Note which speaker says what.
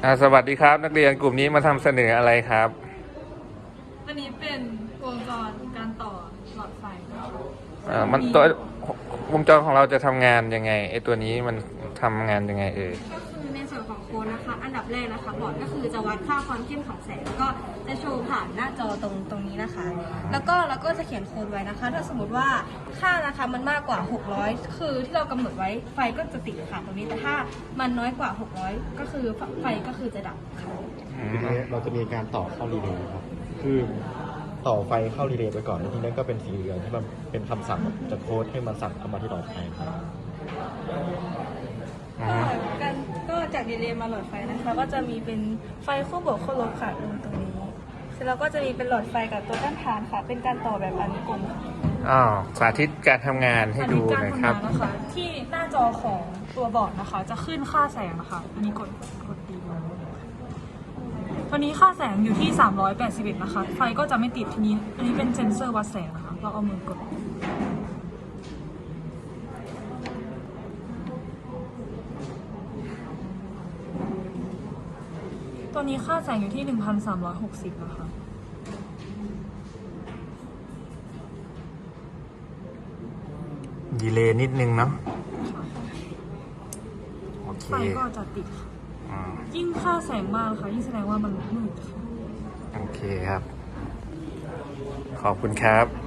Speaker 1: สวัสดีครับนักเรียนกลุ่มนี้มาทำเสนออะไรครับ
Speaker 2: อันนี้เป็นวงจรการต่อหลอดไฟ
Speaker 1: มันตัววงจรของเราจะทำงานยังไงไอตัวนี้มันทำงานยังไง
Speaker 3: ก็คือในส่วนของโค้ดนะคะอันดับแรกนะคะบอร์ดก็คือจะวัดค่าความเข้มของแสงแล้วก็จะโชว์ผ่านหน้าจอตรงนี้นะคะ แล้วก็เราก็จะเขียนโค้ดไว้นะคะ ถ้าสมมติว่าค่านะคะมันมากกว่า600คือที่เรากำหนดไว้ไฟก็จะติดค่ะตรงนี้แต่ถ้ามันน้อยกว่า600ก็คือไฟก็คือจะดับค่ะ
Speaker 4: ทีนี้เราจะมีการต่อเข้ารีเลย์ครับคือต่อไฟเข้ารีเลย์ไปก่อนแล้วทีนี้ก็เป็นสีเหลืองที่มันเป็นคำสั่งจากโค้ดให้มันสั่งเข้ามาที่หลอดไฟครับ
Speaker 2: ก็จากดีเลย์มาหลอดไฟนะคะก็จะมีเป็นไฟคู่บวกคู่ลบค่ะตรงนี้เสร็จแล้วก็จะมีเป็นหลอดไฟกับตัวต้านทานค่ะเป็นการต่อแบบอนุกรมค่ะ
Speaker 1: สาธิตการทำงานให้ดูหน่อยครับ
Speaker 2: นะคะที่หน้าจอของตัวบอร์ดนะคะจะขึ้นค่าแสงนะคะอันนี้กดดีตอนนี้ค่าแสงอยู่ที่381นะคะไฟก็จะไม่ติดทีนี้อันนี้เป็นเซ็นเซอร์วัดแสงนะคะเราเอามือกดตัวนี้ค่าแสงอยู่ที่1,360นะคะ
Speaker 1: ดีเลย์นิดนึงเนาะโอเค
Speaker 2: ไฟก็จะติดค่ะยิ่งค่าแสงมากค่ะยิ่งแสดงว่ามันมืดค่ะ
Speaker 1: โอเคครับขอบคุณครับ